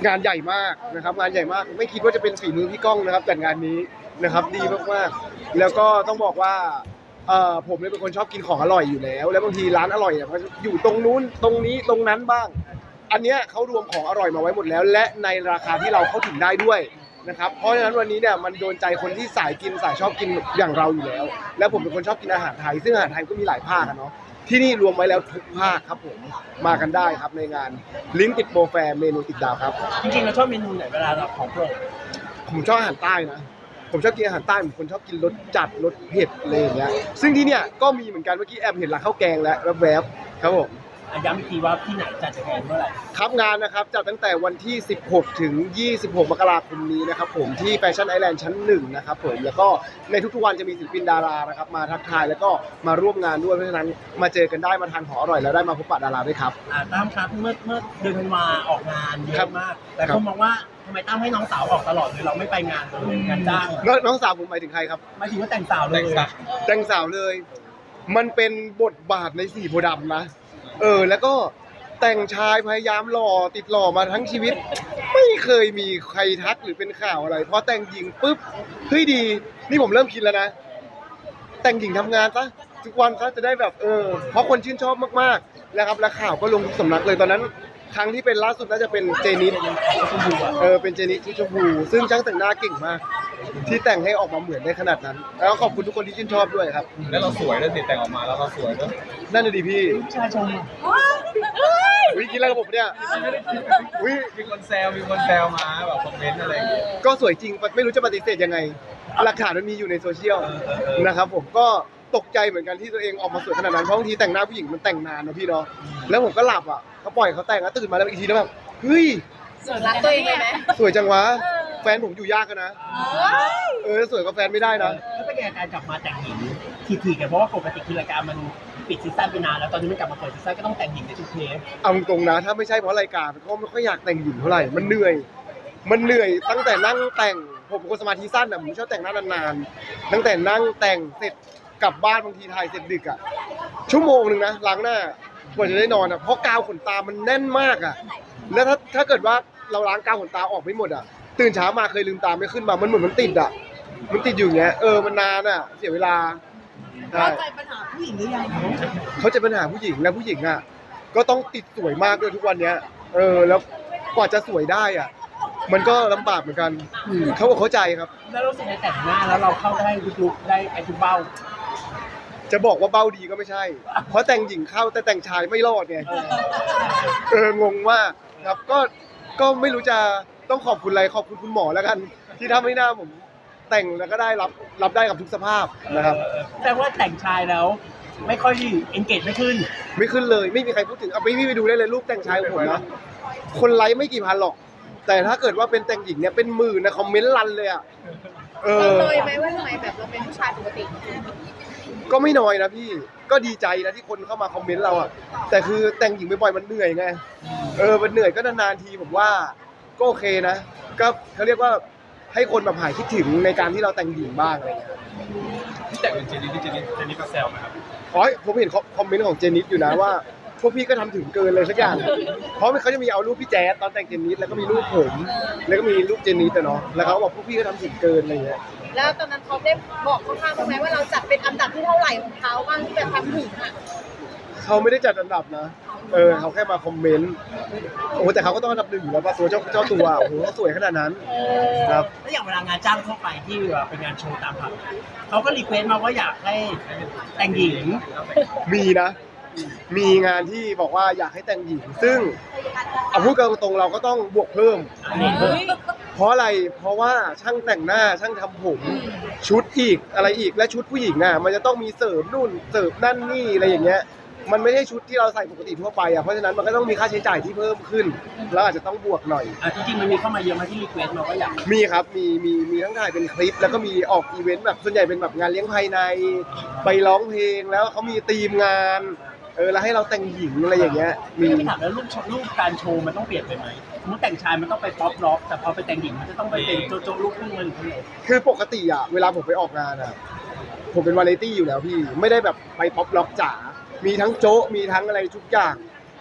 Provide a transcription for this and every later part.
งานใหญ่มากนะครับงานใหญ่มากไม่คิดว่าจะเป็นฝีมือพี่ก้องนะครับจัดงานนี้นะครับดีมากๆแล้วก็ต้องบอกว่าผมเนี่ยเป็นคนชอบกินของอร่อยอยู่แล้วแล้วบางทีร้านอร่อยเนี่ยมันอยู่ตรงนู้นตรงนี้ตรงนั้นบ้างอันเนี้ยเขารวมของอร่อยมาไว้หมดแล้วและในราคาที่เราเข้าถึงได้ด้วยนะครับเพราะฉะนั้นวันนี้เนี่ยมันโดนใจคนที่สายกินสายชอบกินอย่างเราอยู่แล้วแล้วผมเป็นคนชอบกินอาหารไทยซึ่งอาหารไทยก็มีหลายภาคเนาะที่นี่รวมไว้แล้วทุกภาคครับผมมากันได้ครับในงานลิ้นติดโปรแฟร์เมนูติดดาวครับจริงๆเราชอบเมนูไหนเวลาเราของโปรดผมชอบอาหารใต้นะผมชอบกินอาหารใต้ผมคนชอบกินรสจัดรสเผ็ดอะไรอย่างเงี้ยซึ่งที่เนี่ยก็มีเหมือนกันเมื่อกี้แอบเห็นร้านข้าวแกงแล้วแวบๆครับผมย้ำอีกทีว่าที่ไหนจัดจะแข่งเมื่อไหร่ครับงานนะครับจัดตั้งแต่วันที่16ถึง26มกราคมนี้นะครับผมที่แฟชั่นไอแลนด์ชั้น1นะครับผมแล้วก็ในทุกๆวันจะมีศิลปินดารานะครับมาทักทายแล้วก็มาร่วมงานด้วยเพราะฉะนั้นมาเจอกันได้มาทานของอร่อยแล้วได้มาพบปะดาราด้วยครับตั้มครับเมื่อเดือนธันวาออกงานเยอะมากแต่คนมองว่าทำไมตั้มให้น้องสาวออกตลอดเลยเราไม่ไปงานเลยงานจ้างน้องสาวผมหมายถึงใครครับหมายถึงว่าแต่งสาวเลยแต่งสาวเลยมันเป็นบทบาทในสีโพธิ์ดำนะแล้วก็แต่งชายพยายามหล่อติดหล่อมาทั้งชีวิตไม่เคยมีใครทักหรือเป็นข่าวอะไรพอแต่งหญิงปุ๊บเฮ้ยดีนี่ผมเริ่มคิดแล้วนะแต่งหญิงทำงานซะทุกวันซะจะได้แบบเพราะคนชื่นชอบมากๆนะครับและข่าวก็ลงทุกสำนักเลยตอนนั้นครั้งที่เป็นล่าสุดน่าจะเป็นเจนิสเป็นเจนิสที่ชมพูซึ่งช่างแต่งหน้าเก่งมากที่แต่งให้ออกมาเหมือนได้ขนาดนั้นแล้วขอบคุณทุกคนที่ชื่นชอบด้วยครับแล้วเราสวยด้วยสิแต่งออกมาแล้วเราสวยด้วยนั่นน่ะดิพี่ชายชมวิกินแล้วกับผมเนี่ยมีคนแซวมาแบบคอมเมนต์อะไรอย่างเงี้ยก็สวยจริงไม่รู้จะปฏิเสธยังไงหลักฐานมันมีอยู่ในโซเชียลนะครับผมก็ตกใจเหมือนกันที่ตัวเองออกมาสวยขนาดนั้นเพราะบางทีแต่งหน้าผู้หญิงมันแต่งนานนะพี่เนาะแล้วผมก็หลับอ่ะเขาปล่อยเขาแต่งแล้วตื่นมาแล้วอีกทีแล้วแบบเฮ้ยรักตัวเองเลยไหมสวยจังวะแฟนผมอยู่ยากกันนะสวยกับแฟนไม่ได้นะแล้วเป็นไงการกลับมาแต่งหญิงทีๆกันเพราะว่าปกติคือรายการมันปิดซีซั่นไปนานแล้วตอนนี้มันกลับมาเปิดซีซั่นก็ต้องแต่งหญิงในทุกเทปเอาตรงนะถ้าไม่ใช่เพราะรายการก็ไม่ค่อยอยากแต่งหญิงเท่าไหร่มันเหนื่อยตั้งแต่นั่งแต่งผมเป็นคนสมาธิสั้นอ่ะผมชอบแต่งหน้านานๆตั้งแต่นั่งแต่งเสร็จกลับบ้านบางทีถ่ายเสร็จดึกอ่ะชั่วโมงนึงนะล้างหน้ากว่าจะได้นอนอ่ะเพราะกาวขนตามันแน่นมากอ่ะแล้วถ้าเกิดว่าเราล้างกาวขนตาออกไม่หมดอ่ะตื่นเช้ามาเคยลืมตาไม่ขึ้นมามันเหมือนมันติดอ่ะมันติดอยู่อย่างเงี้ยมันนานอ่ะเสียเวลาเข้าใจปัญหาผู้หญิงหรือยังเขาจะปัญหาผู้หญิงและผู้หญิงอ่ะก็ต้องติดสวยมากด้วยทุกวันเนี้ยแล้วกว่าจะสวยได้อ่ะมันก็ลำบากเหมือนกันเขาเข้าใจครับแล้วรู้สึกในแต่งหน้าแล้วเราเข้าได้ลุกได้ไอ้ทุกเบ้าจะบอกว่าเบ้าดีก็ไม่ใช่เพราะแต่งหญิงเข้าแต่แต่งชายไม่รอดไงงงมากครับก็ไม่รู้จะต้องขอบคุณอะไรขอบคุณคุณหมอแล้วกันที่ทำให้หน้าผมแต่งแล้วก็ได้รับได้กับทุกสภาพนะครับแต่ว่าแต่งชายแล้วไม่ค่อยเอนเกจไม่ขึ้นเลยไม่มีใครพูดถึงเอาพี่ไปดูได้เลยรูปแต่งชายของผมนะคนไลค์ไม่กี่พันหรอกแต่ถ้าเกิดว่าเป็นแต่งหญิงเนี่ยเป็นหมื่นนะคอมเมนต์รันเลยอ่ะน้อยไหมว่าทำไมแบบเราเป็นผู้ชายปกติก็ไม่น้อยนะพี่ก็ดีใจนะที่คนเข้ามาคอมเมนต์เราอ่ะแต่คือแต่งหญิงบ่อยๆมันเหนื่อยไงมันเหนื่อยก็นานๆทีผมว่าก็โอเคนะก็เขาเรียกว่าให้คนแบบหายคิดถึงในการที่เราแต่งหญิงบ้างอะไรเงี้ยที่แต่งเป็นเจนิสก็แซวนะครับผมเห็นคอมเมนต์ของเจนิสอยู่นะว่าพวกพี่ก็ทำถึงเกินเลยสักอย่างเพราะเขาจะมีเอารูปพี่แจ๊สตอนแต่งเจนิสแล้วก็มีรูปผมแล้วก็มีรูปเจนิสเนาะแล้วเขาบอกพวกพี่ก็ทำถึงเกินอะไรเงี้ยแล้วตอนนั้นเขาได้บอกข้างๆไหมว่าเราจัดเป็นอันดับที่เท่าไหร่ของเขาบ้างที่แบบทำถึงอ่ะเขาไม่ได้จัดอันดับนะเขาแค่มาคอมเมนต์โอ้แต่เขาก็ต้องอันดับหนึ่งอยู่แล้วป่ะตัวเจ้าตัวโอ้โหสวยขนาดนั้นครับแล้วอย่างเวลางานจ้างทั่วไปที่เป็นงานโชว์ตามผับเขาก็รีเควสต์มาว่าอยากให้แต่งหญิงมีนะมีงานที่บอกว่าอยากให้แต่งหญิงซึ่งเอาพูดกันตรงๆเราก็ต้องบวกเพิ่มเพราะอะไรเพราะว่าช่างแต่งหน้าช่างทำผมชุดอีกอะไรอีกและชุดผู้หญิงอ่ะมันจะต้องมีเสริมนู่นเสริมนั่นนี่อะไรอย่างเงี้ยมันไม่ใช่ชุดที่เราใส่ปกติทั่วไปอ่ะเพราะฉะนั้นมันก็ต้องมีค่าใช้จ่ายที่เพิ่มขึ้นแล้วอาจจะต้องบวกหน่อยจริงๆมันมีเข้ามาเยอะมาที่รีเควสต์มาว่าอยากมีครับมีทั้งถ่ายเป็นคลิปแล้วก็มีออกอีเวนต์แบบส่วนใหญ่เป็นแบบงานเลี้ยงภายในไปร้องเพลงแล้วเขามีธีมงานแล้วให้เราแต่งหญิงอะไรอย่างเงี้ยมีถามแล้วรูปการโชว์มันต้องเปลี่ยนไปไหมสมมติแต่งชายมันต้องไปป๊อปร็อกแต่พอไปแต่งหญิงมันจะต้องไปเป็นโจ๊กลูกครึ่งมันคือปกติอ่ะเวลาผมไปออกงานอ่ะผมเป็นวาไรตี้อยู่แล้วพี่ไม่ได้แบบไปป๊อปร็อกจ๋ามีทั้งโจ๊ะมีทั้งอะไรทุกอย่าง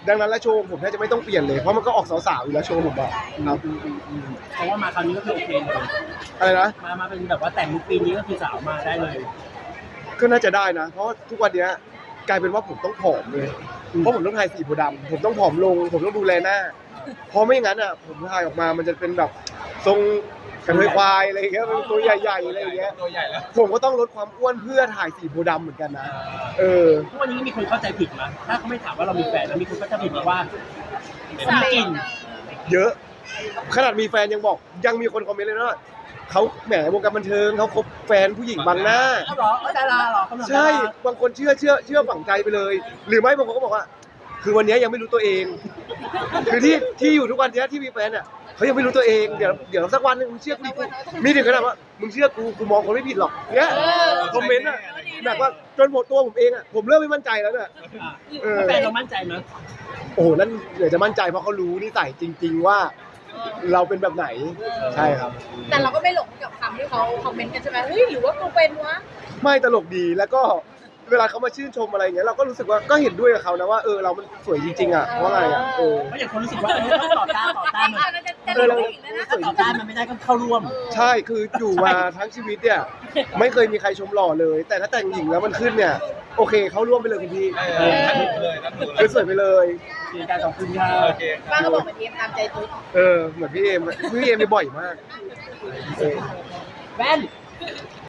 ดังนั้นแล้วโชว์ผมแทบจะไม่ต้องเปลี่ยนเลยเพราะมันก็ออกสาวๆอยู่แล้วโชว์ผมอะครับเพราะว่ามาคราวนี้ก็คือโอเคเลยอะไรนะมาเป็นแบบว่าแต่งลุคปีนี้ก็คือสาวมาได้เลยก็น่าจะได้นะ เพราะว่าทุกวันเนี้ยกลายเป็นว่าผมต้องผอมเลยเพราะผมต้องถ่ายสีโพธิ์ดำผมต้องผอมลง ผมต้องดูแลหน้าเพราะไม่อย่างนั้นอ่ะผมถ่ายออกมามันจะเป็นแบบทรงกระเทยควายอะไรอย่างเงี้ยเป็นตัวใหญ่ๆอะไรอย่างเงี้ยตัวใหญ่แล้วผมก็ต้องลดความอ้วนเพื่อถ่ายสีโพธิ์ดำเหมือนกันนะเออทุกวันนี้มีคนเข้าใจผิดมั้ยถ้าเขาไม่ถามว่าเรามีแฟนแล้วมีคนเข้าใจผิดมาว่ามีกลิ่นเยอะ ขนาดมีแฟนยังบอกยังมีคนคอมเมนต์เลยนะว่าเขาแหมวงการบันเทิงเขาคบแฟนผู้หญิงบังหน้าเขาเหรอดาราเหรอเขาเหรอใช่บางคนเชื่อฝังใจไปเลย หรือไม่บางคนก็บอกว่า คือวันนี้ยังไม่รู้ตัวเอง คือที่อยู่ทุกวันนี้ที่มีแฟนอ่ะเขายังไม่รู้ตัวเองเดี๋ยวสักวันหนึงมึงเชื่อกูมีถึงขนาดว่ามึงเชื่อกูมองคนไม่ผิดหรอกเนี้ยคอมเมนต์อ่ะแบบว่าจนหมดตัวผมเองอ่ะผมเริ่มไม่มั่นใจแล้วเนี่ยแฟนเรามั่นใจมั้ยโอ้โหนั่นเดี๋ยวจะมั่นใจเพราะเขารู้นิสัยจริง ๆว่า เราเป็นแบบไหนใช่ครับแต่เราก็ไม่หลงกับคำที่เขาคอมเมนต์กันใช่ไหมเฮ้ยหรือว่ากูเป็นวะไม่ตลกดีแล้วก็เวลาเขามาชื่นชมอะไรอย่างเงี้ยเราก็รู้สึกว่าก็เห็นด้วยกับเขานะว่าเรามันสวยจริงๆอ่ะเพราะอะไรอ่ะเพราะอย่างคนรู้สึกว่าต้องต่อต้านมันจะรู้อีกแล้วนะถ้าต่อต้านมันไม่ได้ก็เข้าร่วมใช่คืออยู่มาทั้งชีวิตเนี่ยไม่เคยมีใครชมหล่อเลย แต่ถ้าแต่งหญิงแล้วมันขึ้นเนี่ยโอเคเขาร่วมไปเลยคุณพี่นั่นถูกเลยนั่นถูกเลคือย สวยไปเลยเสียใจขอบคุณค่ะโอเคป้าก็บอกเหมือนเอมตามใจตุ๊ดเหมือนพี่เอมไปบ่อยมากแว่น